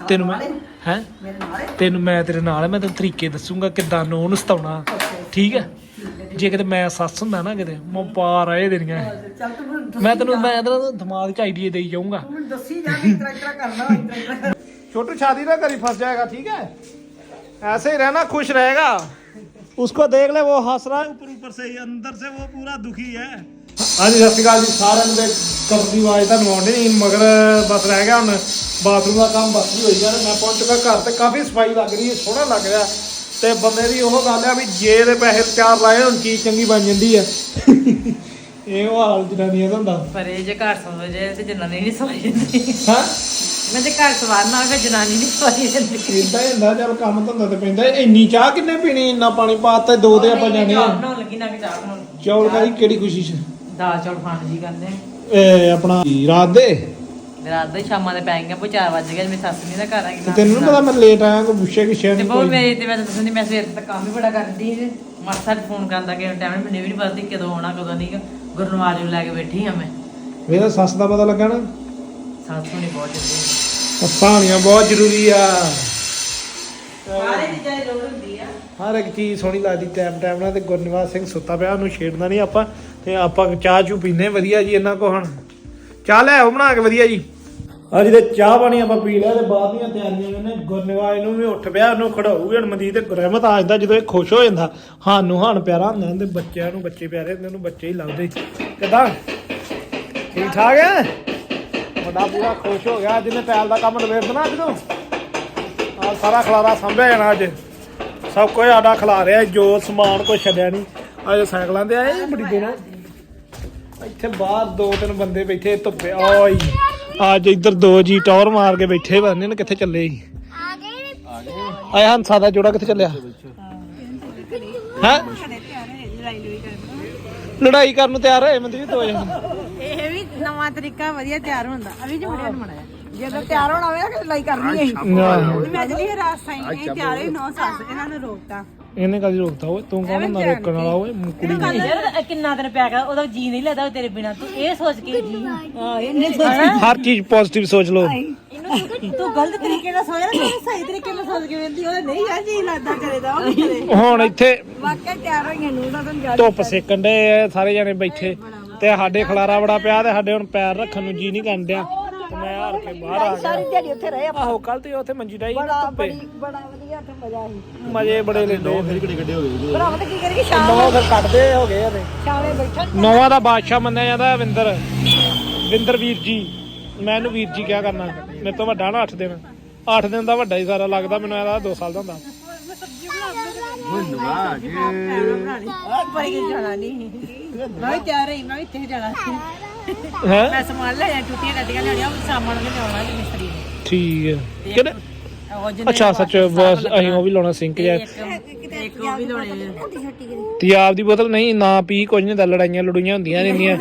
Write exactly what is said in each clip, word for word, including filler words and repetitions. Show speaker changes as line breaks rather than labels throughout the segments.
ਤੈਨੂੰ ਮੈਂ ਹੈ ਤੈਨੂੰ ਮੈਂ ਤੇਰੇ ਨਾਲ ਮੈਂ ਤੈਨੂੰ ਤਰੀਕੇ ਦੱਸੂਗਾ ਕਿੱਦਾਂ ਨੂੰ ਉਹਨੂੰ ਸਤਾਉਣਾ ਠੀਕ ਹੈ ਜੇ ਕਿਤੇ ਮੈਂ ਸੱਸ ਹੁੰਦਾ ਨਾ ਕਿਤੇ ਮੈਂ ਪਾਰ ਆਏ ਦੇਣੀਆਂ ਮੈਂ ਤੈਨੂੰ ਮੈਂ ਤੇਰਾ ਦਿਮਾਗ 'ਚ ਆਈਡੀਆ ਦੇਈ ਜਾਊਂਗਾ छोटू शादी ना करी फंस जाएगा ठीक है ऐसे ही रहना खुश रहेगा उसको देख ले वो हंस रहा है ऊपर ऊपर से ही अंदर से वो पूरा दुखी है हाँ जी सत श्रीकाल जी सारे कब की आवाज़ तुहानू आउंदी नहीं मगर बस रह गया हुण बाथरूम का काम बस ही हो गया मैं पहुंच चुका घर ते काफ़ी सफाई लग रही है सोहना लग रहा ते बंदे दी ओह गल है भी जे दे पैसे चार लाए हुण चीज़ चंगी बन जाती है ਇਹ ਹਾਲ ਜਨਾਨੀਆਂ ਦਾ ਹੁੰਦਾ
ਪਰ ਇਹ ਜੇ ਘਰ ਸੌਂ ਜੇ ਤੇ ਜਨਾਨੀ ਨਹੀਂ ਸੌਂ ਜਾਂਦੀ
ਹਾਂ
ਮੈਂ ਜੇ ਘਰ ਸਵਾਰਨਾ ਹੋਵੇ ਜਨਾਨੀ ਨਹੀਂ ਸੌਂ ਜਾਂਦੀ
ਇਦਾਂ ਹੀ ਹੁੰਦਾ ਚਲ ਕੰਮ ਧੰਦਾ ਤੇ ਪੈਂਦਾ ਇੰਨੀ ਚਾਹ ਕਿੰਨੇ ਪੀਣੀ ਇੰਨਾ ਪਾਣੀ ਪਾਤਾ ਦੋ ਤੇ ਆਪਾਂ ਜਾਣੇ ਆ
ਬਣਾਉਣ ਲੱਗੀ ਨਾ ਕਿ ਚਾਹ ਬਣਾਉਣ
ਚੌਲ ਕਾਹਦੀ ਕਿਹੜੀ ਖੁਸ਼ੀ ਚ
ਦਾਲ ਚੌਲ ਖਾਣ ਜੀ ਕਰਦੇ
ਇਹ ਆਪਣਾ ਰਾਤ ਦੇ
ਰਾਤ ਦੇ ਸ਼ਾਮਾਂ ਦੇ ਪੈ ਗਈਆਂ ਪੋ ਚਾਰ ਵਜ ਗਏ ਮੇਰੀ ਸੱਸ ਨਹੀਂ ਦਾ ਘਰ ਆ ਗਈ
ਤੈਨੂੰ ਨੀ ਪਤਾ ਮੈਂ ਲੇਟ ਆਇਆ ਕੋਈ ਪੁੱਛੇ ਕਿ ਸ਼ਾਇਦ
ਤੇ ਬਹੁਤ ਮੇਰੇ ਤੇ ਮੈਂ ਤਾਂ ਦੱਸਣੀ ਮੈਂ ਸਵੇਰ ਤੱਕ ਕੰਮ ਹੀ ਬੜਾ ਕਰਦੀ ਸੀ ਮਾਸਾ ਫੋਨ ਕਰਦਾ ਕਿ ਟਾਈਮ ਮੈਨੂੰ ਵੀ ਨਹੀਂ ਪਤਾ ਸੀ ਕਦੋਂ ਆਉਣਾ ਕਦੋਂ ਨਹੀਂ ਗੁਰਨਵਾਜ ਨੂੰ ਲੈ ਕੇ ਬੈਠੀ ਆ ਮੈਂ
ਮੇਰਾ ਸੱਸ ਦਾ ਪਤਾ ਲੱਗਾ ਨਾ
ਸੱਸ ਨੂੰ ਨਹੀਂ ਬਹੁਤ ਜਲਦੀ
ਸੱਸਾਂ ਬਹੁਤ ਜ਼ਰੂਰੀ ਆ
ਸਾਰੇ ਚੀਜ਼ਾਂ ਦੀ ਲੋੜ ਹੁੰਦੀ ਆ
ਹਰ ਇੱਕ ਚੀਜ਼ ਸੋਹਣੀ ਲੱਗਦੀ ਟਾਈਮ ਟਾਈਮ ਨਾਲ ਤੇ ਗੁਰਨਿਵਾਸ ਸਿੰਘ ਸੁੱਤਾ ਪਿਆ ਉਹਨੂੰ ਛੇੜਨਾ ਨਹੀਂ ਆਪਾਂ ਤੇ ਆਪਾਂ ਚਾਹ ਚੂ ਪੀਨੇ ਵਧੀਆ ਜੀ ਇਹਨਾਂ ਕੋ ਹੁਣ ਚਾਹ ਲੈ ਆਓ ਬਣਾ ਕੇ ਵਧੀਆ ਜੀ ਅੱਜ ਤੇ ਚਾਹ ਪਾਣੀ ਆਪਾਂ ਪੀ ਲਿਆ ਤੇ ਬਾਅਦ ਦੀਆਂ ਤਿਆਰੀਆਂ ਨੇ ਗੁਰਨਿਵਾਸ ਨੂੰ ਵੀ ਉੱਠ ਪਿਆ ਉਹਨੂੰ ਖੜਾਊਗੇ ਹੁਣ ਮਨਜੀਤ ਤੇ ਰਹਿਮਤ ਆ ਜਾਂਦਾ ਜਦੋਂ ਇਹ ਖੁਸ਼ ਹੋ ਜਾਂਦਾ ਸਾਨੂੰ ਹਾਨ ਪਿਆਰਾ ਹੁੰਦਾ ਤੇ ਬੱਚਿਆਂ ਨੂੰ ਬੱਚੇ ਪਿਆਰੇ ਹੁੰਦੇ ਉਹਨੂੰ ਬੱਚੇ ਹੀ ਲੱਗਦੇ ਕਿਦਾਂ ਠੀਕ ਠਾਕ ਹੈ ਵੱਡਾ ਪੂਰਾ ਖੁਸ਼ ਹੋ ਗਿਆ ਜਿਹਨੇ ਟੈਲ ਦਾ ਕੰਮ ਨਵੇੜ ਦੇਣਾ ਅੱਜ ਤੋਂ ਆ ਸਾਰਾ ਖਲਾਰਾ ਸੰਭਿਆ ਜਾਣਾ ਅੱਜ ਸਭ ਕੁਝ ਸਾਡਾ ਖਿਲਾ ਰਿਹਾ ਜੋ ਸਮਾਨ ਕੋਈ ਛੱਡਿਆ ਨਹੀਂ ਅੱਜ ਸਾਈਕਲਾਂ ਤੇ ਆਏ ਬੜੀ ਦੇਣਾ ਇੱਥੇ ਬਾਹਰ ਦੋ ਤਿੰਨ ਬੰਦੇ ਬੈਠੇ ਧੁੱਪੇ ਓਏ ਅੱਜ ਇੱਧਰ ਦੋ ਜੀ ਟੌਰ ਮਾਰ ਕੇ ਬੈਠੇ ਬੰਦੇ ਨੇ ਕਿੱਥੇ ਚੱਲੇ ਸੀ ਆ ਗਏ ਆਇਆ ਹੰਸਾ ਦਾ ਜੋੜਾ ਕਿੱਥੇ ਚੱਲਿਆ ਹੈ ਲੜਾਈ ਕਰਨ ਨੂੰ ਤਿਆਰ ਹੋਏ ਮੰਦੀ ਦੋ ਜਣੇ
ਇਹ ਵੀ ਨਵਾਂ ਤਰੀਕਾ ਵਧੀਆ ਤਿਆਰ ਹੁੰਦਾ ਅਭੀ ਜੀ ਮੁੰਡਿਆਂ ਨੂੰ ਮੜਾਇਆ ਜਦੋਂ ਤਿਆਰ ਹੋਣਾ ਹੋਵੇ ਤਾਂ ਲੜਾਈ ਕਰਨੀ ਹੈ ਮੈਂ ਜਲੀ ਰਾਸਤਾ ਹੀ ਇਹ ਤਿਆਰ ਹੀ ਨੌ ਸੱਸ ਇਹਨਾਂ ਨੂੰ ਰੋਕਤਾ
ਇਹਨੇ ਕਦੀ ਰੋਕਤਾ ਓਏ ਤੂੰ ਕੌਣ ਹੁੰਦਾ ਰੋਕਣ ਵਾਲਾ ਓਏ ਕੁੜੀ
ਯਾਰ ਕਿੰਨਾ ਦਿਨ ਪਿਆ ਕਰ ਉਹਦਾ ਜੀ ਨਹੀਂ ਲੱਗਦਾ ਤੇਰੇ ਬਿਨਾ ਤੂੰ ਇਹ ਸੋਚ ਕੇ ਜੀ ਹਾਂ ਇਹਨੇ ਸੋਚ
ਹਰ ਚੀਜ਼ ਪੋਜ਼ਿਟਿਵ ਸੋਚ ਲਓ
ਤੂੰ ਗਲਤ ਤਰੀਕੇ ਨਾਲ ਸੋਚ ਰਿਹਾ ਤੂੰ ਸਹੀ ਤਰੀਕੇ ਨਾਲ ਸੋਚ ਕੇ ਵੇਂਦੀ ਉਹ ਨਹੀਂ ਯਾਰ ਜੀ ਲੱਗਦਾ ਕਰੇਦਾ ਉਹ
ਹੁਣ ਇੱਥੇ
ਵਾਕਿਆ ਤਿਆਰ ਹੋਈਆਂ ਨੂੰ ਤਾਂ ਤੈਨੂੰ
ਧੁੱਪ ਸੇਕਣ ਦੇ ਸਾਰੇ ਜਣੇ ਬੈਠੇ ਤੇ ਸਾਡੇ ਖਲਾਰਾ ਬੜਾ ਪਿਆ ਤੇ ਸਾਡੇ ਹੁਣ ਪੈਰ ਰੱਖਣ ਨੂੰ ਜੀ ਨਹੀਂ ਕਰਨ ਡਿਆ ਤੇ ਮੈਂ ਹਾਰ ਕੇ ਬਾਹਰ ਆ ਗਿਆ
ਸਾਰੀ ਦਿਹਾੜੀ ਉੱਥੇ ਰਹੇ
ਆਹੋ ਕੱਲ ਤੇ ਉੱਥੇ ਮੰਜੀ ਡਾਈ
ਬੜਾ ਬੜੀ ਬੜਾ ਵਧੀਆ ਉੱਥੇ ਮਜ਼ਾ ਸੀ
ਮਜ਼ੇ ਬੜੇ ਲੈਂਦੇ
ਫਿਰ ਕਿਹੜੇ ਕੱਢੇ ਹੋ ਗਏ
ਭਰਾ ਪਤਾ ਕੀ ਕਰੀਏ ਸ਼ਾਮ
ਨੌ ਫਿਰ ਕੱਢਦੇ ਹੋ ਗਏ ਇਹਦੇ
ਸ਼ਾਮੇ ਬੈਠਣ
ਨੌਵਾਂ ਦਾ ਬਾਦਸ਼ਾਹ ਮੰਨਿਆ ਜਾਂਦਾ ਵਿੰਦਰ ਵਿੰਦਰ ਵੀਰ ਜੀ ਮੈਂ ਇਹਨੂੰ ਵੀਰ ਜੀ ਕਿਹਾ ਕਰਨਾ ਮੇਰੇ ਤੋਂ ਵੱਡਾ ਨਾ ਅੱਠ ਦਿਨ ਅੱਠ ਦਿਨ ਦਾ ਵੱਡਾ ਹੀ ਸਾਰਾ ਲੱਗਦਾ ਮੈਨੂੰ ਇਹਦਾ ਦੋ ਸਾਲ ਦਾ ਹੁੰਦਾ
ਬੜੀ ਜਾਣਾ ਨਹੀਂ ਮੈਂ ਵੀ ਤਿਆਰ ਰਹੀ ਮੈਂ ਵੀ ਇੱਥੇ ਜਾਣਾ
ਹੈ
ਮੈਂ ਸਮਾਨ ਲੈ ਜਾ ਟੁੱਟੀਆਂ ਗੱਡੀਆਂ ਲਿਆਉਣੀਆਂ ਉਹ ਸਾਮਾਨ ਵੀ ਲਿਆਉਣਾ ਜੀ ਮਿਸਤਰੀ ਨੇ
ਠੀਕ ਹੈ ਕਿਹੜੇ
ਉਹ ਜਿਹਨੇ
ਅੱਛਾ ਸੱਚ ਬਸ ਅਸੀਂ ਉਹ ਵੀ ਲਾਉਣਾ ਸਿੰਕ ਜਾਂ
ਇੱਕ ਉਹ ਵੀ ਲਾਉਣੇ
ਤੇ ਆਪ ਦੀ ਬੋਤਲ ਨਹੀਂ ਨਾ ਪੀ ਕੁਝ ਨਹੀਂ ਦਾ ਲੜਾਈਆਂ ਲੜੂਈਆਂ ਹੁੰਦੀਆਂ ਰਹਿੰਦੀਆਂ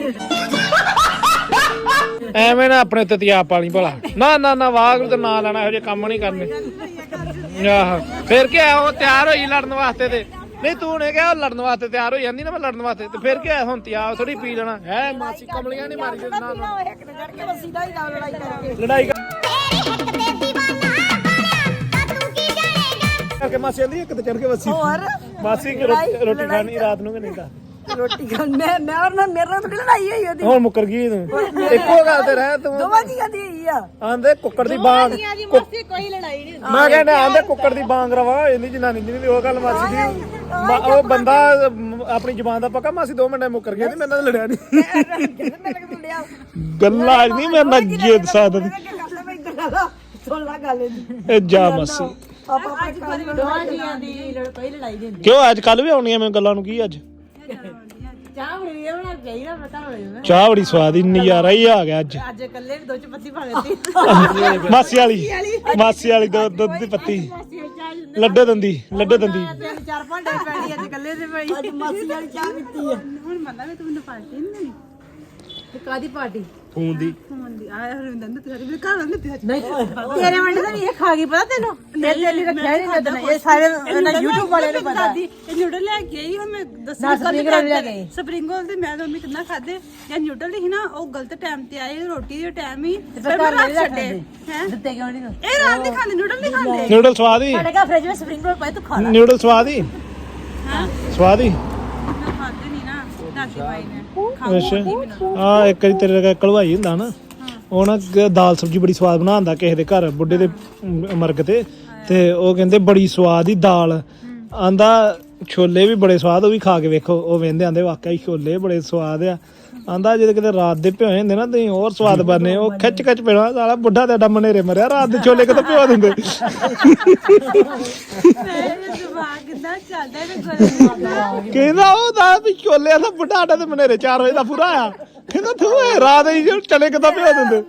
ਐਵੇਂ ਨਾ ਆਪਣੇ ਉੱਤੇ ਤਿਆਬ ਪਾਲੀ ਭਲਾ ਨਾ ਨਾ ਨਾ ਵਾਹ ਤੇ ਨਾ ਲੈਣਾ ਇਹੋ ਜਿਹੇ ਕੰਮ ਨਹੀਂ ਕਰਨੇ ਆਹ ਫਿਰ ਕੀ ਆ ਉਹ ਤਿਆਰ ਹੋਈ ਲੜਨ ਵਾਸਤੇ ਤੇ ਨਹੀਂ ਤੂੰ ਨੇ ਕਿਹਾ ਲੜਨ ਵਾਸਤੇ ਤਿਆਰ ਹੋ ਜਾਂਦੀ ਨਾ ਮੈਂ ਲੜਨ ਵਾਸਤੇ ਤੇ ਫਿਰ ਕੀ ਆ ਹੁਣ ਤਿਆਬ ਥੋੜੀ ਪੀ ਲੈਣਾ ਹੈ ਮਾਸੀ ਕਮਲੀਆਂ ਨਹੀਂ ਮਾਰੀ ਨਾ ਲੜਾਈ ਕਰਕੇ ਮਾਸੀ ਆਂਦੀ ਇੱਕ ਤੇ ਚੜ ਕੇ ਵਸੀ ਮਾਸੀ ਰੋਟੀ ਖਾਣੀ ਰਾਤ ਨੂੰ ਕਿ ਨਹੀਂ ਤਾਂ
ਰੋਟੀ ਖਾਣ ਮੈਂ ਮੈਂ ਔਰ ਨਾ ਮੇਰੇ ਨਾਲ ਥੋੜੀ ਲੜਾਈ ਹੋਈ ਉਹਦੀ
ਹੁਣ ਮੁੱਕਰ ਗਈ ਤੂੰ ਇੱਕੋ ਗੱਲ ਤੇ ਰਹਿ ਤੂੰ
ਦੋਵਾਂ ਦੀ ਕਦੀ ਹੋਈ ਆ
ਆਂਦੇ ਕੁੱਕੜ ਦੀ ਬਾਂਗ
ਕੋਈ ਲੜਾਈ ਨਹੀਂ
ਮੈਂ ਕਹਿੰਦਾ ਆਂਦੇ ਕੁੱਕੜ ਦੀ ਬਾਂਗ ਰਵਾ ਇਹਦੀ ਜਨਾਨੀ ਦੀ ਉਹ ਗੱਲ ਮਾਸੀ ਦੀ ਉਹ ਬੰਦਾ ਆਪਣੀ ਜ਼ੁਬਾਨ ਦਾ ਪੱਕਾ ਮਾਸੀ ਦੋ ਮਿੰਟਾਂ ਮੁੱਕਰ ਗਿਆ ਤੇ ਮੇਰੇ ਨਾਲ ਲੜਿਆ ਨਹੀਂ ਗੱਲਾਂ ਨਹੀਂ ਮੇਰੇ ਨਾਲ ਜਿੱਦ ਸਾਦਤ
ਸੁਣ ਲਾ ਗੱਲ
ਇਹ ਜਾ ਮਾਸੀ
ਆਪਾਂ ਆਪਣੇ ਦੋਵਾਂ ਜੀਆਂ ਦੀ ਕੋਈ ਲੜਾਈ ਨਹੀਂ ਹੁੰਦੀ
ਕਿਉਂ ਅੱਜ ਕੱਲ ਵੀ ਆਉਣੀਆਂ ਮੈਂ ਗੱਲਾਂ ਨੂੰ ਕੀ ਅੱਜ
ਚਾਹ ਬੜੀ ਇਹ ਬਣਾ ਚਾਹੀਦਾ ਪਤਾ ਹੋਵੇ
ਚਾਹ ਬੜੀ ਸਵਾਦ ਹੀ ਨਜ਼ਾਰਾ ਹੀ ਆ ਗਿਆ ਅੱਜ
ਅੱਜ ਇਕੱਲੇ ਨੇ ਦੋ ਚ ਪੱਤੀ ਪਾ ਦਿੱਤੀ
ਮਾਸੀ ਵਾਲੀ ਮਾਸੀ ਵਾਲੀ ਦੁੱਧ ਦੀ ਪੱਤੀ ਲੱਡੇ ਦੰਦੀ ਲੱਡੇ ਦੰਦੀ
ਤਿੰਨ ਚਾਰ ਭਾਂਡੇ ਪੈਣੀ ਅੱਜ ਇਕੱਲੇ ਦੇ ਪਈ ਅੱਜ ਮਾਸੀ ਵਾਲੀ ਚਾਹ ਪੀਤੀ ਆ ਹੁਣ ਮੰਨਦਾ ਵੀ ਤੂੰ ਮੈਨੂੰ ਪਾਰਟੀ ਨਹੀਂ ਦੇਣੀ ਤੇ ਕਾਦੀ ਪਾਰਟੀ
ਫੋਨ ਦੀ
ਫੋਨ ਦੀ ਆਇਆ ਹਰਿੰਦਰ ਨੇ ਤੇਰੇ ਮੇਰੇ ਘਰ ਆਂਦੇ ਤੇਰੇ
ਨਹੀਂ
ਤੇਰੇ ਵੰਡੇ ਤਾਂ ਇਹ ਖਾ ਗਈ ਪਤਾ ਤੈਨੂੰ
ਇਹ ਤੇ ਲਈ ਰੱਖਿਆ ਨਹੀਂ ਨਦਨ ਇਹ ਸਾਰੇ ਇਹਨਾਂ YouTube ਵਾਲਿਆਂ ਨੂੰ ਪਤਾ
ਇਹ ਨਿਊਡਲ ਲੈ ਕੇ ਆਈ ਹੁਣ ਮੈਂ ਦੱਸਾਂ
ਨਾ, spring roll ਲੈ ਕੇ ਆਈ।
ਸਪਰਿੰਗ ਰੋਲ ਤੇ ਮੈਂ ਤਾਂ ਮੰਮੀ ਕਿੰਨਾ ਖਾਦੇ ਜਾਂ ਨਿਊਡਲ ਸੀ ਨਾ ਉਹ ਗਲਤ ਟਾਈਮ ਤੇ ਆਏ ਰੋਟੀ ਦੇ ਟਾਈਮ ਹੀ
ਤੇ ਫਿਰ ਘਰ ਨਹੀਂ ਰੱਖਦੇ
ਹੈ
ਦਿੱਤੇ ਕਿਉਂ ਨਹੀਂ
ਇਹ ਰਾਤ ਨਹੀਂ ਖਾਂਦੇ ਨਿਊਡਲ ਨਹੀਂ ਖਾਂਦੇ
ਨਿਊਡਲ ਸਵਾਦ ਹੀ
ਸਾਡੇ ਘਰ ਫ੍ਰਿਜ ਵਿੱਚ ਸਪਰਿੰਗ ਰੋਲ ਪਏ ਤੂੰ ਖਾ ਲੈ
ਨਿਊਡਲ ਸਵਾਦ ਹੀ
ਹਾਂ
ਸਵਾਦ ਹੀ
ਮੈਂ ਖਾਦੇ ਨਹੀਂ ਨਾ ਦਾਦੀ ਬਾਈ ਨੇ
ਅੱਛਾ ਆ ਇੱਕ ਵਾਰੀ ਤੇਰੇ ਲਗਾ ਕਲਵਾਈ ਹੁੰਦਾ ਨਾ ਉਹ ਨਾ ਗ- ਦਾਲ ਸਬਜੀ ਬੜੀ ਸਵਾਦ ਬਣਾਉਂਦਾ ਕਿਸੇ ਦੇ ਘਰ ਬੁੱਢੇ ਦੇ ਮ- ਮਰਗ ਤੇ ਤੇ ਉਹ ਕਹਿੰਦੇ ਬੜੀ ਸਵਾਦ ਹੀ ਦਾਲ ਆਂਦਾ ਛੋਲੇ ਵੀ ਬੜੇ ਸਵਾਦ ਉਹ ਵੀ ਖਾ ਕੇ ਵੇਖੋ ਉਹ ਵੇਂਦੇ ਆਂਦੇ ਵਾਕਿਆ ਛੋਲੇ ਬੜੇ ਸਵਾਦ ਆ ਆਂਦਾ ਜਦੋਂ ਕਿਤੇ ਰਾਤ ਦੇ ਭਿਓਏ ਹੁੰਦੇ ਨਾ ਤੁਸੀਂ ਹੋਰ ਸਵਾਦ ਬਣਨੇ ਉਹ ਖਿੱਚ ਖਿੱਚ ਪੈਣਾ ਸਾਲਾ ਬੁੱਢਾ ਤੇ ਐਡਾ ਮਨੇਰੇ ਮਰਿਆ ਰਾਤ ਦੇ ਛੋਲੇ ਕਿਤੇ ਭਿਓ ਦਿੰਦੇ
ਮੇਰੇ ਦਿਮਾਗ ਕਿੰਨਾ ਚੱਲਦਾ ਇਹ
ਕਹਿੰਦਾ ਉਹ ਦਾ ਵੀ ਛੋਲੇ ਦਾ ਬੁੱਢਾ ਆਡਾ ਤੇ ਮਨੇਰੇ ਚਾਰ ਵਜੇ ਦਾ ਪੂਰਾ ਆ ਕਹਿੰਦਾ ਤੂੰ ਇਹ ਰਾਤ ਹੀ ਜੋ ਚਲੇ ਕਿਦਾਂ ਭਿਓ ਦਿੰਦੇ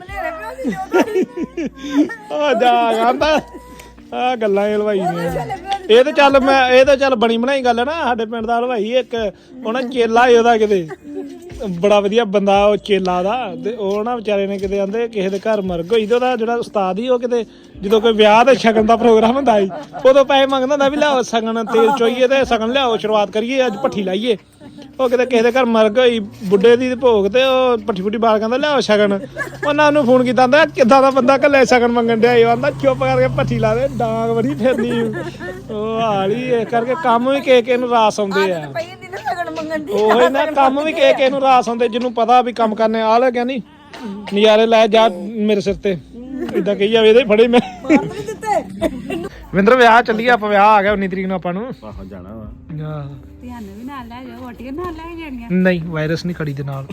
ਆ ਜਾ ਆਂਦਾ ਆ ਗੱਲਾਂ ਇਹ ਹਲਵਾਈ ਦੀਆਂ ਇਹ ਤੇ ਚੱਲ ਮੈਂ ਇਹ ਤਾਂ ਚੱਲ ਬਣੀ ਬਣਾਈ ਗੱਲ ਹੈ ਨਾ ਸਾਡੇ ਪਿੰਡ ਦਾ ਹਲਵਾਈ ਇੱਕ ਉਹਨਾਂ ਚੇਲਾ ਸੀ ਉਹਦਾ ਕਿਤੇ ਬੜਾ ਵਧੀਆ ਬੰਦਾ ਉਹ ਚੇਲਾ ਦਾ ਤੇ ਉਹ ਨਾ ਵਿਚਾਰੇ ਨੇ ਕਿਤੇ ਆਂਦੇ ਕਿਸੇ ਦੇ ਘਰ ਮਰਗ ਹੋਈ ਤੇ ਉਹਦਾ ਜਿਹੜਾ ਉਸਤਾਦ ਸੀ ਉਹ ਕਿਤੇ ਜਦੋਂ ਕੋਈ ਵਿਆਹ ਤੇ ਸ਼ਗਨ ਦਾ ਪ੍ਰੋਗਰਾਮ ਹੁੰਦਾ ਸੀ ਉਦੋਂ ਪੈਸੇ ਮੰਗਦਾ ਹੁੰਦਾ ਵੀ ਲਿਆਓ ਸ਼ਗਨ ਤੇਲ ਚੋਈਏ ਤੇ ਸ਼ਗਨ ਲਿਆਓ ਸ਼ੁਰੂਆਤ ਕਰੀਏ ਅੱਜ ਭੱਠੀ ਲਾਈਏ ਉਹ ਕਿਤੇ ਕਿਸੇ ਦੇ ਘਰ ਮਰਗ ਹੋਈ ਬੁੱਢੇ ਦੀ ਭੋਗ ਤੇ ਉਹ ਭੱਠੀ ਫੁੱਟੀ ਬਾਲ ਕਹਿੰਦਾ ਲਿਆਓ ਸ਼ਗਨ ਉਹਨਾਂ ਨੂੰ ਫੋਨ ਕੀਤਾ ਆਂਦਾ ਕਿੱਦਾਂ ਦਾ ਬੰਦਾ ਕੱਲੇ ਸ਼ਗਨ ਮੰਗਣ ਡਿਆ ਇਹ ਆਂਦਾ ਚੁੱਪ ਕਰਕੇ ਭੱਠੀ ਲਾ ਦੇ ਡਾਂਗ ਬੜੀ ਫਿਰਨੀ ਉਹ ਹਾਲੀ ਇਸ ਕਰਕੇ ਕੰਮ ਵੀ ਕੇ ਕੇ ਨੂੰ ਰਾਸ ਆਉਂਦੇ ਆ ਉਹ ਨਾ ਕੰਮ ਵੀ ਕੇ ਕੇ ਨੂੰ ਰਾਸ ਆਉਂਦੇ ਜਿਹਨੂੰ ਪਤਾ ਵੀ ਕੰਮ ਕਰਨੇ ਆ ਲੱਗਿਆ ਨਹੀਂ ਨਜ਼ਾਰੇ ਲੈ ਜਾ ਮੇਰੇ ਸਿਰ ਤੇ ਇਦਾਂ ਕਹੀ ਜਾਵੇ ਇਹਦੇ ਫੜੇ ਮੈਂ ਵਿੰਦਰ ਵਿਆਹ ਚੱਲੀਏ ਆਪਾਂ ਵਿਆਹ ਆ ਗਿਆ ਉੱਨੀ ਤਰੀਕ ਨੂੰ ਆਪਾਂ ਨੂੰ
ਆਹੋ ਜਾਣਾ ਵਾ
ਆਹ,
ਧਿਆਨ ਵੀ ਨਾਲ ਲੈ ਜਾਓ ਵੋਟੀਆਂ ਨਾਲ ਲੈ ਜਾਣੀਆਂ
ਨਹੀਂ ਵਾਇਰਸ ਨਹੀਂ ਖੜੀ ਦੇ ਨਾਲ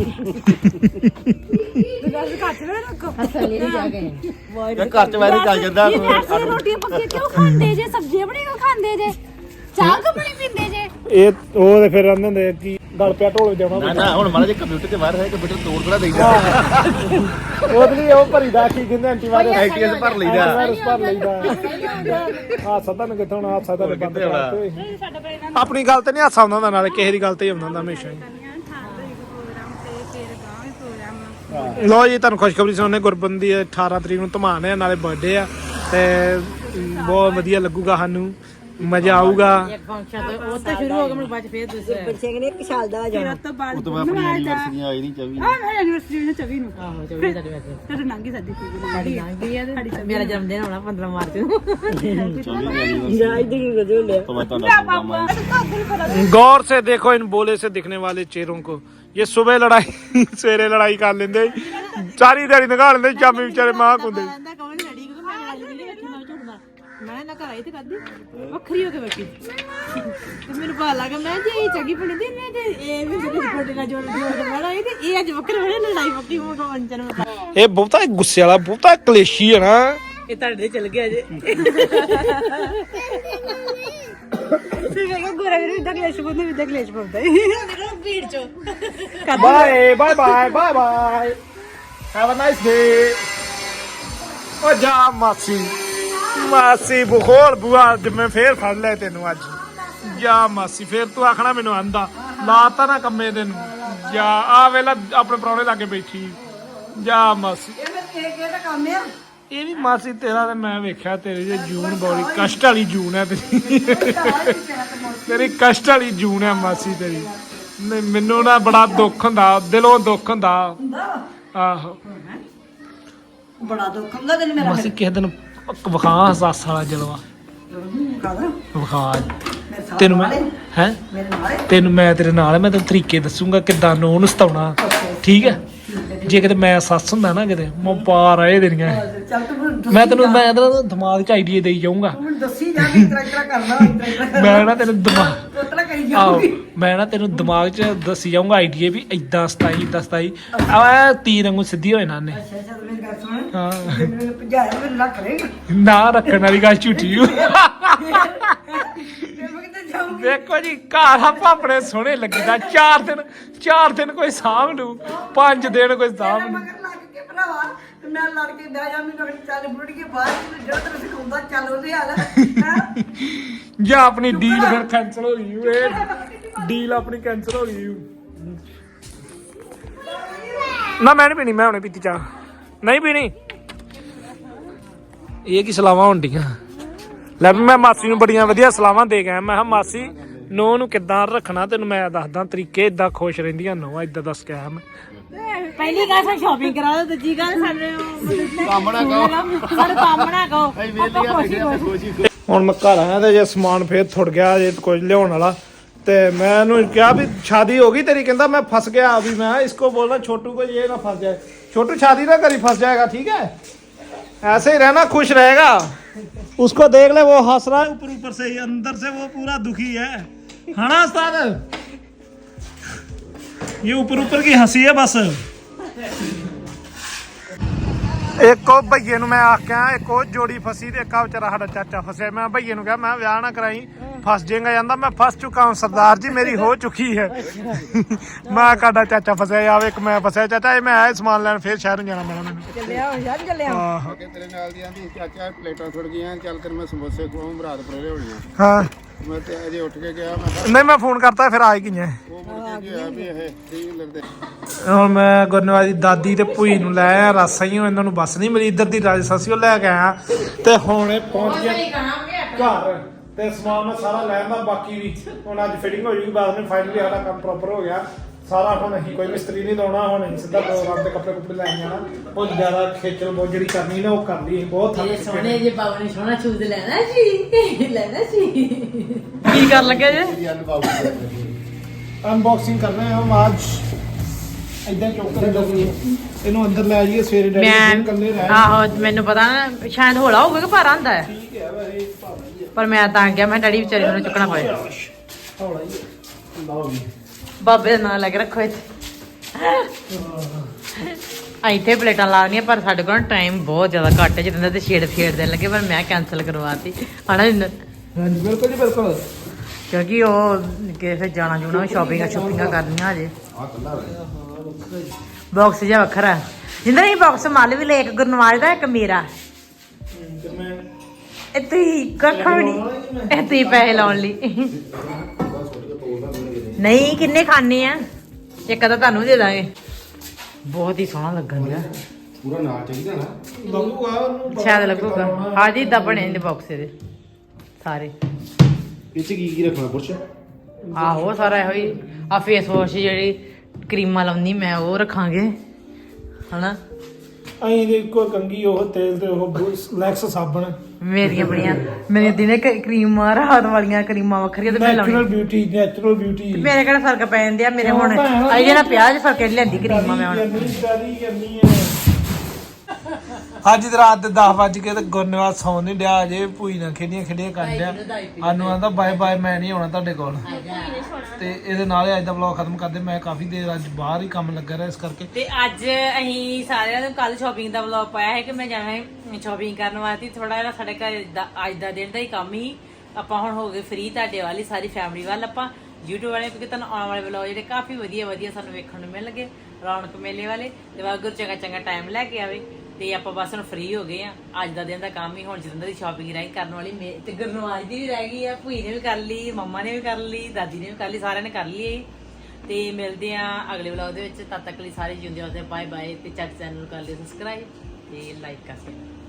ਤੇ ਗੱਲ ਘੱਟ ਨਾ ਰੱਖੋ
ਥੱਲੇ ਨਹੀਂ ਜਾ ਕੇ
ਯਾਰ ਘਰ ਚ ਵਾਇਰਸ ਚੱਲ ਜਾਂਦਾ
ਇਹ ਐਸੇ ਰੋਟੀ ਪੱਕੀ ਕਿਉਂ ਖਾਂਦੇ ਜੇ ਸਬਜ਼ੀਆਂ ਬਣੀ ਕਿਉਂ ਖਾਂਦੇ ਜੇ ਚਾਹ ਕਿਉਂ ਬਣੀ ਪੀਂਦੇ ਜੇ
ਇਹ ਉਹ ਤੇ ਫਿਰ ਆਂਦੇ ਹੁੰਦੇ ਕਿ ਗਲ ਪਿਆ ਢੋਲ ਜਾਣਾ
ਨਾ ਨਾ ਹੁਣ ਮਾਰਾ ਜੇ ਕੰਪਿਊਟਰ ਤੇ ਵਾਇਰਸ ਹੈ ਕੰਪਿਊਟਰ ਤੋੜ ਥੋੜਾ ਦੇਈਦਾ
ਉਹਦੇ ਲਈ ਉਹ ਭਰੀਦਾ ਕੀ ਕਹਿੰਦੇ ਐਂਟੀਵਾਇਰਸ
ਐਕਟੀਐਸ ਭਰ ਲਈਦਾ
ਵਾਇਰਸ ਭਰ ਲਈਦਾ ਆ ਸਦਾ ਨੂੰ ਕਿੱਥੋਂ ਹੁਣ ਆ ਸਦਾ ਨੂੰ ਬੰਦ ਕਰਤੇ ਆਪਣੀ ਗੱਲ ਤੇ ਨਹੀਂ ਹਾਸਾ ਆਉਂਦਾ ਹੁੰਦਾ ਨਾਲੇ ਕਿਸੇ ਦੀ ਗੱਲ ਤੇ ਹੀ ਆਉਂਦਾ ਹੁੰਦਾ ਹਮੇਸ਼ਾ ਹੀ ਲੋ ਜੀ ਤੁਹਾਨੂੰ ਖੁਸ਼ਖਬਰੀ ਸੁਣਾਉਂਦੇ ਗੁਰਬੰਦ ਦੀ ਅਠਾਰਾਂ ਤਰੀਕ ਨੂੰ ਧਮਾਨ ਹੈ ਨਾਲੇ ਬਰਥਡੇ ਆ ਤੇ ਬਹੁਤ ਵਧੀਆ ਲੱਗੂਗਾ ਸਾਨੂੰ ਮਜ਼ਾ ਆਊਗਾ
ਇੱਕ ਫੰਕਸ਼ਨ ਤੇ ਉਹ ਤਾਂ ਸ਼ੁਰੂ ਹੋ ਗਿਆ ਮੈਨੂੰ ਬਾਅਦ ਚ ਫੇਰ ਦੱਸਿਆ ਬੱਚੇ ਨੇ ਇੱਕ ਸਾਲ ਦਾ
ਫਿਰ ਉਸ ਤੋਂ ਬਾਅਦ
ਉਹ ਤੋਂ ਬਾਅਦ ਆਪਣੀ ਐਨੀਵਰਸਰੀ ਆਈ ਨਹੀਂ ਚੌਵੀ
ਹਾਂ ਮੇਰੀ ਐਨੀਵਰਸਰੀ ਨੂੰ ਚੌਵੀ ਨੂੰ
ਆਹੋ ਚੌਵੀ ਦਾ ਵੈਸੇ
ਫਿਰ ਲੰਘੀ ਸਾਡੀ ਚੀਜ਼
ਸਾਡੀ ਲੰਘ ਗਈ ਆ ਤੇ ਮੇਰਾ ਜਨਮ ਦਿਨ ਹੋਣਾ ਪੰਦਰਾਂ ਮਾਰਚ ਨੂੰ
ਚੌਵੀ ਦੀ ਐਨੀਵਰਸਰੀ ਤੋਂ ਮੈਂ ਤੁਹਾਡਾ ਪ੍ਰੋਗਰਾਮ ਆਇਆ
गौर से देखो इन बोले से दिखने वाले चेहरों को ये सुबह लड़ाई सवेरे लड़ाई कर लेंगे सारी दिहाड़ी निकाल लेंगे शामी बेचारे मां कुंदे
ਕਹਿੰਦਾ ਕੌਣ ਲੜੀ ਕਿਉਂਕਿ ਮੈਂ ਲੜਾਈ ਨਹੀਂ ਵੇਖੀ ਮੈਂ ਝੂਠਦਾ ਮੈਂ ਨਾ ਘਰ ਆਈ ਤੇ ਕਰਦੀ ਵੱਖਰੀ ਹੋ ਕੇ ਬੈਠੀ ਤੇ ਮੈਨੂੰ ਪਤਾ ਲੱਗਾ ਮੈਂ ਜੇ ਇਹ ਚੰਗੀ ਬਣੀ ਦੀ ਮੈਂ ਤੇ ਇਹ ਵੀ ਜਿਹੜੀ ਫੋਟੋ ਨਾਲ ਜੋੜ ਜੋੜ ਕੇ ਬਣਾ ਇਹ ਤੇ ਇਹ ਅੱਜ ਵੱਖਰੇ ਹੋਣੇ ਲੜਾਈ ਵੱਖਰੀ ਹੋ ਕੇ ਅੰਚਨ ਮੈਂ
ਇਹ ਬਹੁਤਾ ਗੁੱਸੇ ਵਾਲਾ ਬਹੁਤਾ ਕਲੇਸ਼ੀ ਹੈ ਨਾ
ਇਹ ਤੁਹਾਡੇ ਦੇ ਚਲ ਗਿਆ ਜੇ
ਫਿਰ ਮੈਂ ਕਿਹਾ ਗੋਰਾ ਵੀਰ ਇਦਾਂ ਕਲੇਸ਼ ਪਾਉਂਦੇ ਇਦਾਂ ਕਲੇਸ਼ ਪਾਉਂਦਾ
ਭੀੜ ਚੋਂ
bye bye bye bye bye have a nice day ਓ ਜਾ ਮਾਸੀ ਮਾਸੀ ਬਖੋਲ ਬੁਆ ਅੱਜ ਮੈਂ ਫੇਰ ਫੜ ਲਿਆ ਤੈਨੂੰ ਅੱਜ ਜਾ ਮਾਸੀ ਫੇਰ ਤੂੰ ਆਖਣਾ ਮੈਨੂੰ ਆਂਦਾ ਲਾਤਾ ਨਾ ਕੰਮੇ ਤੈਨੂੰ ਜਾ ਆ ਵੇਲਾ ਆਪਣੇ ਪ੍ਰਾਹੁਣੇ ਲਾਗੇ ਬੈਠੀ ਜਾ ਮਾਸੀ ਇਹ ਵੀ ਮਾਸੀ ਤੇਰਾ ਤੇ ਮੈਂ ਵੇਖਿਆ ਤੇਰੀ ਜੇ ਜੂਨ ਬੜੀ ਕਸ਼ਟ ਵਾਲੀ ਜੂਨ ਹੈ ਤੇਰੀ ਤੇਰੀ ਕਸ਼ਟ ਵਾਲੀ ਜੂਨ ਹੈ ਮਾਸੀ ਤੇਰੀ ਨਹੀਂ ਮੈਨੂੰ ਨਾ ਬੜਾ ਦੁੱਖ ਹੁੰਦਾ ਦਿਲੋਂ ਦੁੱਖ ਹੁੰਦਾ ਆਹੋ
ਬੜਾ ਦੁੱਖ ਹੁੰਦਾ ਤੈਨੂੰ ਮੇਰਾ
ਮਾਸੀ ਕਿਸੇ ਦਿਨ ਵਿਖਾ ਹਸਾਸ ਵਾਲਾ ਜਲਵਾ ਵਿਖਾ ਤੈਨੂੰ ਮੈਂ ਹੈ ਤੈਨੂੰ ਮੈਂ ਤੇਰੇ ਨਾਲ ਮੈਂ ਤੈਨੂੰ ਤਰੀਕੇ ਦੱਸੂਗਾ ਕਿੱਦਾਂ ਨੂੰ ਉਹਨੂੰ ਸਤਾਉਣਾ ਠੀਕ ਹੈ ਜੇ ਕਿਤੇ ਮੈਂ ਸੱਸ ਹੁੰਦਾ ਨਾ ਕਿਤੇ ਮੈਂ ਪਾ ਰਹੇ ਦੇਣੀਆਂ ਮੈਂ ਤੈਨੂੰ ਮੈਂ ਤੈਨੂੰ ਦਿਮਾਗ 'ਚ ਆਈਡੀਆ ਦੇਈ ਜਾਊਂਗਾ
ਦੱਸੀ ਜਾ ਕੇ ਇਤਰਾ ਇਤਰਾ ਕਰਨਾ
ਮੈਂ ਨਾ ਤੈਨੂੰ ਦਿਮਾਗ
ਉਤਰਾ ਕਰੀ
ਆਹੋ ਮੈਂ ਨਾ ਤੈਨੂੰ ਦਿਮਾਗ 'ਚ ਦੱਸੀ ਜਾਊਂਗਾ ਆਈਡੀਆ ਵੀ ਇਦਾਂ ਸਤਾਈ ਇਦਾਂ ਸਤਾਈ ਆ ਤੀਰ ਵਾਂਗੂ ਸਿੱਧੀ ਹੋ ਜਾਣਾ ਉਹਨੇ
ਅੱਛਾ ਮੇਰੀ ਗੱਲ ਸੁਣ
ਹਾਂ
ਮੈਨੂੰ ਭਜਾਇਆ ਮੈਨੂੰ ਰੱਖ ਲੈ
ਨਾ ਰੱਖਣ ਵਾਲੀ ਗੱਲ ਝੂਠੀ ਓ।
ਮੈਂ ਕਿਤੇ ਜਾਊਂਗੀ
ਦੇਖੋ ਜੀ ਘਰ ਆਪਾਂ ਆਪਣੇ ਸੋਹਣੇ ਲੱਗੀਦਾ ਚਾਰ ਦਿਨ ਚਾਰ ਦਿਨ ਕੋਈ ਸਾਂਭ ਲੂ ਪੰਜ ਦਿਨ ਕੋਈ ਸਾਂਭ ਲੂ
ਮਗਰ ਲੱਗ ਕੇ ਭਰਾਵਾ ਤੇ ਮੈਂ ਲੜ ਕੇ ਬਹਿ ਜਾ ਮੈਨੂੰ ਚੱਲ ਬੁੜ ਕੇ ਬਾਹਰ ਜਿਹੜਾ ਤੈਨੂੰ ਸਿਖਾਉਂਦਾ ਚੱਲ ਉਹਦੇ ਹਾਲ ਹੈ
ਜਾਂ ਆਪਣੀ ਡੀਲ ਫਿਰ ਕੈਨਸਲ ਹੋ ਗਈ ਇਹ ਡੀਲ ਆਪਣੀ ਕੈਨਸਲ ਹੋ ਗਈ ਨਾ ਮੈਂ ਨਹੀਂ ਪੀਣੀ, ਮੈਂ ਹੁਣੇ ਪੀਤੀ ਚਾਹ, ਨਹੀਂ ਪੀਣੀ। ਇਹ ਕੀ ਸਲਾਵਾਂ ਹੁੰਦੀਆਂ। ਲੈ ਵੀ ਮੈਂ ਮਾਸੀ ਨੂੰ ਬੜੀਆਂ ਵਧੀਆ ਸਲਾਵਾਂ ਦੇ ਗਿਆ। ਮੈਂ ਕਿਹਾ ਮਾਸੀ ਨੋ ਨੂੰ ਕਿੱਦਾਂ ਰੱਖਣਾ ਤੈਨੂੰ ਮੈਂ ਦੱਸਦਾ ਤਰੀਕੇ, ਇਦਾਂ ਖੁਸ਼ ਰਹਿੰਦੀਆਂ ਨੋ, ਇਦਾਂ ਦੱਸ ਕੇ ਆਇਆ ਮੈਂ।
ਪਹਿਲੀ ਗੱਲ ਸਾ ਸ਼ਾਪਿੰਗ ਕਰਾ ਦੋ, ਦੂਜੀ ਗੱਲ ਸਾਡੇ
ਕੰਮ ਨਾ ਕਹੋ,
ਸਾਡੇ ਕੰਮ ਨਾ ਕਹੋ।
ਅਸੀਂ ਵੇਲੀਆਂ ਬੈਠੇ ਖੁਸ਼ੀ
ਹੁਣ ਮੈਂ ਘਰ ਆਇਆ ਤੇ ਜੇ ਸਮਾਨ ਫੇਰ ਥੁੜ ਗਿਆ ਜੇ ਕੁਝ ਲਿਆਉਣ ਵਾਲਾ, ਤੇ मैं ਇਹਨੂੰ ਕਿਹਾ ਵੀ शादी होगी तेरी, कहता मैं फंस गया अभी। मैं इसको बोलना छोटू को ये ना फंस जाए, छोटू शादी ना करी फंस जाएगा, ठीक है ऐसे ही रहना, खुश रहेगा। उसको देख ले वो हंस रहा है ऊपर ऊपर से ही, अंदर से वो पूरा दुखी है, है ना उस्ताद? ये ऊपर ऊपर की हंसी है बस। एक को भईए ਨੂੰ मैं आख्या, एक और जोड़ी फसी ते एक बेचारा साडा चाचा फसे। मैं भईए ਨੂੰ कहा मैं ब्याह ना कराई, फस जाएगा। कहता मैं फस चुका हूँ सरदार जी, मेरी हो चुकी है। मैं काडा चाचा फसया यार, एक मैं फसया चाचा, मैं आया समान लैन फिर शहर जाना मैं
ਚੱਲਿਆ ਹੋ ਯਾਰ ਚੱਲਿਆ।
ਆਹ
ਕਿ ਤੇਰੇ ਨਾਲ ਦੀਆਂ ਦੀ ਚਾਚਾ ਪਲੇਟਾਂ ਥੁੜ ਗਈਆਂ, ਚੱਲ ਕਰ ਮੈਂ ਸਮੋਸੇ ਖਵਾਉਂ, ਬਰਾਤ ਪਰੇਲੇ ਹੋਣੀਆਂ।
ਹਾਂ
ਮੈਂ ਤੇ ਅਜੇ ਉੱਠ ਕੇ ਗਿਆ, ਮੈਂ ਕਿਹਾ
ਨਹੀਂ ਮੈਂ ਫੋਨ ਕਰਤਾ ਫਿਰ ਆ ਹੀ ਗਈਆਂ।
ਉਹ ਮੁੜ ਕੇ ਗਿਆ ਵੀ ਇਹ ਠੀਕ ਲੱਗਦੇ।
ਹੁਣ ਮੈਂ ਗੁਰਨਵਾਜ ਦੀ ਦਾਦੀ ਤੇ ਭੂਈ ਨੂੰ ਲੈ ਆਇਆ ਰਾਸਾਈਓ, ਇਹਨਾਂ ਨੂੰ ਬੱਸ ਨਹੀਂ ਮਿਲੀ, ਇੱਧਰ ਦੀ ਰਾਜਸਾਸੀਓ ਲੈ ਕੇ ਆਇਆ ਤੇ ਹੁਣ ਇਹ ਪਹੁੰਚ ਗਿਆ ਘਰ ਤੇ ਸਮਾਨ ਮੈਂ ਸਾਰਾ ਲੈ ਆਂਦਾ। ਬਾਕੀ ਵੀ ਹੁਣ ਅੱਜ ਫਿਟਿੰਗ ਹੋ ਜੂਗੀ, ਬਾਅਦ ਵਿੱਚ ਫਾਈਨਲੀ ਸਾਡਾ ਕੰਮ ਪ੍ਰੋਪਰ ਹੋ ਗਿਆ ਸਾਰਾ। ਹੁਣ ਅਸੀਂ ਕੋਈ ਮਿਸਤਰੀ ਨਹੀਂ ਲਾਉਣਾ, ਹੁਣ ਅਸੀਂ ਸਿੱਧਾ ਪ੍ਰੋਗਰਾਮ ਤੇ ਕੱਪੜੇ ਕੁੱਪੜੇ ਲੈ ਜਾਣਾ। ਬਹੁਤ ਜ਼ਿਆਦਾ ਖੇਚਲ ਬਹੁਤ ਜਿਹੜੀ ਕਰਨੀ ਨਾ ਉਹ ਕਰ ਲਈ, ਬਹੁਤ ਥੱਕ ਚੁੱਕੇ
ਸੋਹਣੇ ਜੇ ਬਾਬਾ ਨੇ ਸੋਹਣਾ ਸ਼ੂਜ਼ ਲੈਣਾ ਸੀ, ਲੈਣਾ ਸੀ। ਕੀ ਕਰ ਲੱਗੇ ਜੇ?
ਅਨਬਾਕਸਿੰਗ ਕਰ ਰਹੇ ਹਾਂ ਹਮ ਅੱਜ। ਇਦਾਂ ਚੁੱਕ ਕੇ ਰੱਖੀ ਇਹਨੂੰ ਅੰਦਰ ਲੈ ਜਾਈਏ, ਸਵੇਰੇ ਡੈਡੀ
ਮੈਂ
ਕੱਲੇ ਰਹਿ।
ਆਹੋ ਮੈਨੂੰ ਪਤਾ ਨਾ ਸ਼ਾਇਦ ਹੌਲਾ ਹੋਊਗਾ ਕਿ ਭਾਰਾ ਹੁੰਦਾ ਹੈ,
ਠੀਕ ਹੈ ਵੈਸੇ ਭਾਵੇਂ
ਪਰ ਮੈਂ ਤਾਂ ਗਿਆ ਮੈਂ ਡੈਡੀ ਵਿਚਾਰੇ ਨੂੰ ਚੁੱਕਣਾ ਪਏ।
ਹੌਲਾ ਹੀ ਹੈ। ਲਓ ਜੀ
ਬਾਬੇ ਦਾ ਨਾਂ ਲੈ ਕੇ ਰੱਖੋ ਇੱਥੇ। ਆ ਇੱਥੇ ਪਲੇਟਾਂ ਲਾਉਣੀਆਂ, ਪਰ ਸਾਡੇ ਕੋਲ ਟਾਈਮ ਬਹੁਤ ਜ਼ਿਆਦਾ ਘੱਟ ਹੈ, ਜਿੱਦਾਂ ਤੇ ਛੇੜ ਫੇੜ ਦੇਣ ਲੱਗੇ, ਪਰ ਮੈਂ ਕੈਂਸਲ ਕਰਵਾਤੀ ਹਨਾ ਜਿੰਦਰ,
ਹਾਂਜੀ ਬਿਲਕੁਲ ਜੀ ਬਿਲਕੁਲ।
ਕਿਉਂਕਿ ਉਹ ਕਿਸੇ ਜਾਣਾ ਜੂਣਾ ਸ਼ਾਪਿੰਗਾਂ ਸ਼ੂਪਿੰਗਾਂ ਕਰਨੀਆਂ ਹਜੇ। ਬਾਕਸ ਜਿਹਾ ਵੱਖਰਾ ਜਿੰਦਰ, ਇਹ ਬਾਕਸ ਮੱਲ ਵੀ ਲੈ, ਇੱਕ ਗੁਰਨਵਾਜ ਦਾ ਇੱਕ ਮੇਰਾ।
ਤੇ ਮੈਂ
ਇਹ ਤੁਸੀਂ ਕੱਖ ਵੀ ਨਹੀਂ, ਇਹ ਤੁਸੀਂ ਪੈਸੇ ਲਾਉਣ ਲਈ। ਨਹੀਂ ਕਿੰਨੇ ਖਾਣੇ ਆ, ਇੱਕ ਤਾਂ ਤੁਹਾਨੂੰ ਦੇ ਦਾਂਗੇ। ਬਹੁਤ ਹੀ ਸੋਹਣਾ ਲੱਗਣ ਡਿਆ,
ਪੂਰਾ ਨਾਲ ਚਾਹੀਦਾ ਨਾ,
ਲੱਗੂਗਾ ਉਹਨੂੰ
ਸ਼ਾਇਦ ਲੱਗੂਗਾ। ਹਾਂਜੀ ਇਦਾਂ ਬਣੇ ਨੇ ਬਾਕਸ ਇਹਦੇ ਸਾਰੇ।
ਇਹ ਚ ਕੀ ਕੀ ਰੱਖਣਾ ਪੁੱਛ?
ਆਹੋ ਸਾਰਾ ਇਹੋ ਹੀ। ਆ ਫੇਸ ਵਾਸ਼ ਜਿਹੜੀ ਕਰੀਮਾਂ ਲਾਉਂਦੀ ਮੈਂ ਉਹ ਰੱਖਾਂਗੇ ਹਨਾ।
ਅਹੀਂ ਦੇ ਇੱਕੋ ਕੰਗੀ ਉਹ ਤੇਲ ਤੇ ਉਹ ਲੈਕਸ ਸਾਬਣ।
ਮੇਰੀਆਂ ਬੜੀਆਂ ਮੇਰੇ ਦਿਨੇ ਕਰੀਮਾਂ, ਰਾਤ ਵਾਲੀਆਂ ਕਰੀਮਾਂ ਵੱਖਰੀਆਂ ਤੇ ਮੈਂ
ਨੈਚੁਰਲ
ਲਾਉਣੀ।
Beauty, natural beauty.
ਮੇਰੇ ਕਿਹੜਾ ਫਰਕ ਪੈ ਜਾਂਦੇ ਆ, ਮੇਰੇ ਹੁਣ ਅਜੇ ਜਿਹੜਾ ਪਿਆਜ ਫਰਕ ਲੈਂਦੀ ਕਰੀਮਾਂ ਮੈਂ ਹੁਣ। ਅੱਜ ਦੀ ਰਾਤ ਦੇ ਦਸ ਵੱਜ ਕੇ ਤੇ ਗੁਰਨਵਾਜ ਸੌਣ ਨਹੀਂ ਡਿਆ, ਅਜੇ ਭੂਈ ਨਾਲ ਖੇਡੀਆਂ ਖੇਡੀਆਂ ਕਰਨ ਡਿਆ। ਸਾਨੂੰ ਆਂਦਾ ਬਾਏ ਬਾਏ, ਮੈਂ ਨਹੀਂ ਆਉਣਾ ਤੁਹਾਡੇ ਕੋਲ। ਤੇ ਇਹਦੇ ਨਾਲ ਹੀ ਅੱਜ ਦਾ ਵਲੌਗ ਖਤਮ ਕਰਦੇ। ਮੈਂ ਕਾਫੀ ਦੇਰ ਅੱਜ ਬਾਹਰ ਹੀ ਕੰਮ ਲੱਗਾ ਰਿਹਾ, ਇਸ ਕਰਕੇ। ਤੇ ਅੱਜ ਅਸੀਂ ਸਾਰਿਆਂ ਨੂੰ ਕੱਲ ਸ਼ਾਪਿੰਗ ਦਾ ਵਲੌਗ ਪਾਇਆ ਹੈ ਕਿ ਮੈਂ ਜਾਣਾ ਸ਼ਾਪਿੰਗ ਕਰਨ ਵਾਸਤੇ। ਥੋੜਾ ਜਿਹਾ ਸਾਡੇ ਘਰ ਦਾ ਅੱਜ ਦਾ ਦਿਨ ਦਾ ਹੀ ਕੰਮ ਹੀ, ਆਪਾਂ ਹੁਣ ਹੋ ਗਏ ਫ੍ਰੀ ਤੁਹਾਡੇ ਵਾਲੀ ਸਾਰੀ ਫੈਮਿਲੀ ਵੱਲ। ਆਪਾਂ YouTube ਵਾਲੇ, ਕਿਉਂਕਿ ਤੁਹਾਨੂੰ ਆਉਣ ਵਾਲੇ ਵਲੌਗ ਜਿਹੜੇ ਕਾਫੀ ਵਧੀਆ ਵਧੀਆ ਸਾਨੂੰ ਵੇਖਣ ਨੂੰ ਮਿਲ ਲੱਗੇ, ਰੌਣਕ ਮੇਲੇ ਵਾਲੇ। ਤੇ ਵਾਗੁਰ ਚੰਗਾ ਚੰਗਾ ਟਾਈਮ ਲੈ ਕੇ ਆਵੇ। ਤੇ ਆਪਾਂ ਬਸ ਹੁਣ ਫ੍ਰੀ ਹੋ ਗਏ ਆ। ਅੱਜ ਦਾ ਦਿਨ ਦਾ ਕੰਮ ਹੀ ਹੁਣ ਜਿੰਦਾਂ ਦੀ ਸ਼ਾਪਿੰਗ ਰਹਿ ਕਰਨ ਵਾਲੀ, ਤੇ ਗੁਰਨਵਾਜ ਦੀ ਵੀ ਰਹਿ ਗਈ ਆ, ਭੂਈ ਨੇ ਵੀ ਕਰ ਲਈ, ਮੰਮਾ ਨੇ ਵੀ ਕਰ ਲਈ, ਦਾਦੀ ਨੇ ਵੀ ਕਰ ਲਈ, ਸਾਰਿਆਂ ਨੇ ਕਰ ਲਈ। ਤੇ ਮਿਲਦੇ ਆ ਅਗਲੇ ਵਲੌਗ ਦੇ ਵਿੱਚ। ਤਦ ਤੱਕ ਲਈ ਸਾਰੇ ਜਿਉਂਦੇ ਵਾਸਤੇ ਬਾਏ ਬਾਏ। ਤੇ ਚੱਕ ਚੈਨਲ ਨੂੰ ਕਰ ਲਿਓ ਸਬਸਕ੍ਰਾਈਬ ਤੇ ਲਾਈਕ ਕਰ ਦਿਓ।